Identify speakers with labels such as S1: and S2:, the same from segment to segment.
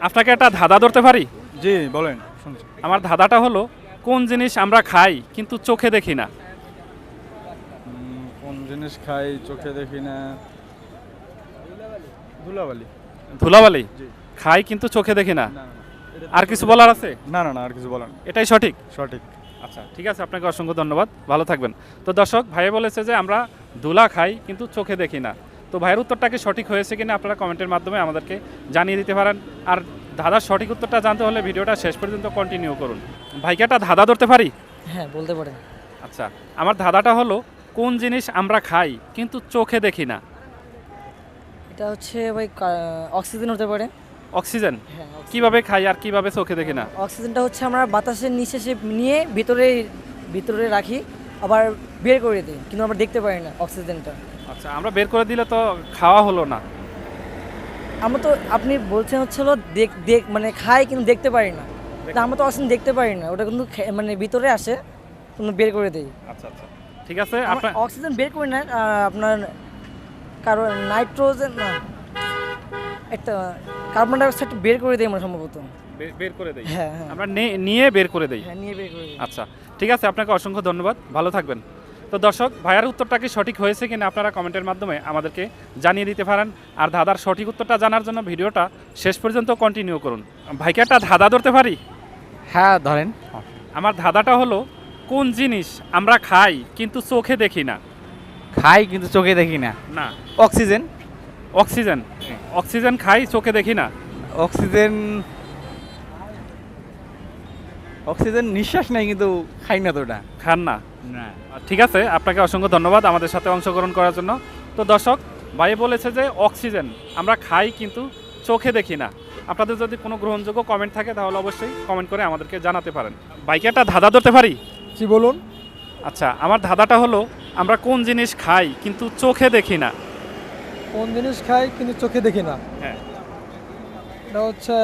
S1: আপনাকে একটা ধাঁধা ধরতে পারি?
S2: জি বলেন, শুনছি।
S1: আমার ধাঁধাটা হলো, কোন জিনিস আমরা খাই কিন্তু চোখে দেখি না?
S2: কোন জিনিস খাই চোখে দেখি না? ধুলাবালি।
S1: ধুলাবালি?
S2: জি।
S1: খাই কিন্তু চোখে দেখি না।
S2: না, না, না।
S1: আর কিছু বলার আছে?
S2: না না না, আর কিছু বলেন।
S1: এটাই সঠিক?
S2: সঠিক।
S1: আচ্ছা, ঠিক আছে, আপনাকে অসংখ্য ধন্যবাদ, ভালো থাকবেন। তো দর্শক, ভাইয়া বলেছে যে আমরা ধুলা খাই কিন্তু চোখে দেখি না। তো ভাইয়ের উত্তরটা কি সঠিক হয়েছে কিনা আপনারা কমেন্টের মাধ্যমে আমাদেরকে জানিয়ে দিতে পারেন। আর ধাঁধার সঠিক উত্তরটা জানতে হলে ভিডিওটা শেষ পর্যন্ত কন্টিনিউ করুন। ভাইকে একটা ধাঁধা ধরতে পারি?
S3: হ্যাঁ বলতে পারেন।
S1: আচ্ছা, আমার ধাঁধাটা হলো, কোন জিনিস আমরা খাই কিন্তু চোখে দেখি না?
S3: এটা হচ্ছে ভাই অক্সিজেন হতে পারে।
S1: অক্সিজেন?
S3: হ্যাঁ
S1: কিভাবে খাই আর কিভাবে চোখে দেখি না?
S3: অক্সিজেনটা হচ্ছে আমরা বাতাসের নিঃশ্বাসে নিয়ে ভিতরে ভিতরে রাখি, আবার বের করে দিই, কিন্তু আমরা দেখতে পারি না অক্সিজেনটা।
S1: আচ্ছা, আমরা বের করে দিলে তো খাওয়া হলো না।
S3: আমরা তো আপনি বলছেন হচ্ছে হলো মানে খাই কিন্তু দেখতে পারি না। তা আমরা তো অক্সিজেন দেখতে পারি না, ওটা কিন্তু মানে ভিতরে আসে, কিন্তু বের করে দিই।
S1: আচ্ছা আচ্ছা, ঠিক আছে।
S3: আমরা
S1: আপনার
S3: অক্সিজেন বের করি না, আপনার কারণ নাইট্রোজেন না, একটা কার্বন ডাইঅক্সাইড বের করে দিই আমরা সম্ভবত।
S1: বের করে দেই?
S3: হ্যাঁ হ্যাঁ
S1: আমরা নিয়ে বের করে দেই।
S3: হ্যাঁ, নিয়ে বের করে দিই।
S1: আচ্ছা, ঠিক আছে, আপনাকে অসংখ্য ধন্যবাদ, ভালো থাকবেন। তো দর্শক, ভাইয়ার উত্তরটা কি সঠিক হয়েছে কিনা আপনারা কমেন্টের মাধ্যমে আমাদেরকে জানিয়ে দিতে পারেন। আর ধাঁধার সঠিক উত্তরটা জানার জন্য ভিডিওটা শেষ পর্যন্ত কন্টিনিউ করুন। ভাইকে একটা ধাঁধা ধরতে পারি?
S4: হ্যাঁ ধরেন।
S1: আমার ধাঁধাটা হলো, কোন জিনিস আমরা খাই কিন্তু চোখে দেখি না?
S4: খাই কিন্তু চোখে দেখি না।
S1: না।
S4: অক্সিজেন।
S1: অক্সিজেন? অক্সিজেন খাই চোখে দেখি না?
S4: অক্সিজেন অক্সিজেন নিঃশ্বাস নাই কিন্তু খাই না তো ওটা।
S1: খান না?
S4: না।
S1: ঠিক আছে, আপনাকে অসংখ্য ধন্যবাদ আমাদের সাথে অংশগ্রহণ করার জন্য। তো দর্শক, ভাই বলেছে যে অক্সিজেন আমরা খাই কিন্তু চোখে দেখি না। আপনাদের যদি কোনো গ্রহণযোগ্য কমেন্ট থাকে তাহলে অবশ্যই কমেন্ট করে আমাদেরকে জানাতে পারেন। ভাইকে একটা ধাঁধা ধরতে পারি?
S2: জি বলুন।
S1: আচ্ছা, আমার ধাঁধাটা হলো, আমরা কোন জিনিস খাই কিন্তু চোখে দেখি না?
S5: কোন জিনিস খাই কিন্তু চোখে দেখি না?
S1: হ্যাঁ।
S5: এটা হচ্ছে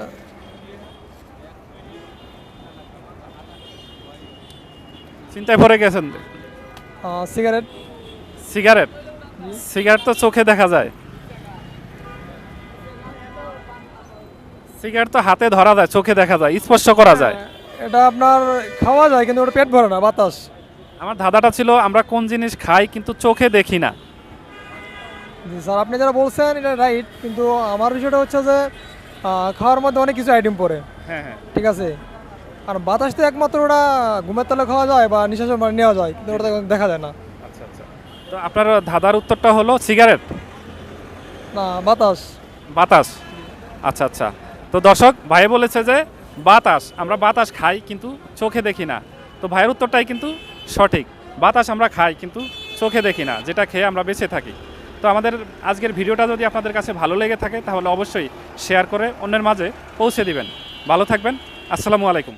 S1: চিন্তায় পড়ে গেছেন?
S5: সিগারেট।
S1: সিগারেট? সিগারেট তো চোখে দেখা যায়। সিগারেট তো হাতে ধরা যায়, চোখে দেখা যায়, স্পর্শ করা যায়।
S5: এটা আপনার খাওয়া যায় কিন্তু ওটা পেট ভরে না, বাতাস।
S1: আমার ধাঁধাটা ছিল, আমরা কোন জিনিস খাই কিন্তু চোখে দেখি না।
S5: জি স্যার, আপনি যারা বলছেন এটা রাইট, কিন্তু আমার বিষয়টা হচ্ছে যে খাওয়ার মধ্যে অনেক কিছু আইটেম পড়ে।
S1: হ্যাঁ হ্যাঁ।
S5: ঠিক আছে, আর বাতাস তো একমাত্র ওটা ঘুমের তলে খাওয়া যায় বা নিঃশ্বাস মানে নেওয়া যায়, কিন্তু ওটা দেখা যায় না।
S1: আচ্ছা আচ্ছা, তো আপনার ধাঁধার উত্তরটা হলো সিগারেট?
S5: না, বাতাস।
S1: বাতাস? আচ্ছা আচ্ছা, তো দর্শক, ভাই বলেছে যে বাতাস, আমরা বাতাস খাই কিন্তু চোখে দেখি না। তো ভাইয়ের উত্তরটাই কিন্তু সঠিক, বাতাস আমরা খাই কিন্তু চোখে দেখি না, যেটা খেয়ে আমরা বেঁচে থাকি। তো আমাদের আজকের ভিডিওটা যদি আপনাদের কাছে ভালো লেগে থাকে তাহলে অবশ্যই শেয়ার করে অন্যের মাঝে পৌঁছে দিবেন। ভালো থাকবেন, আসসালামু আলাইকুম।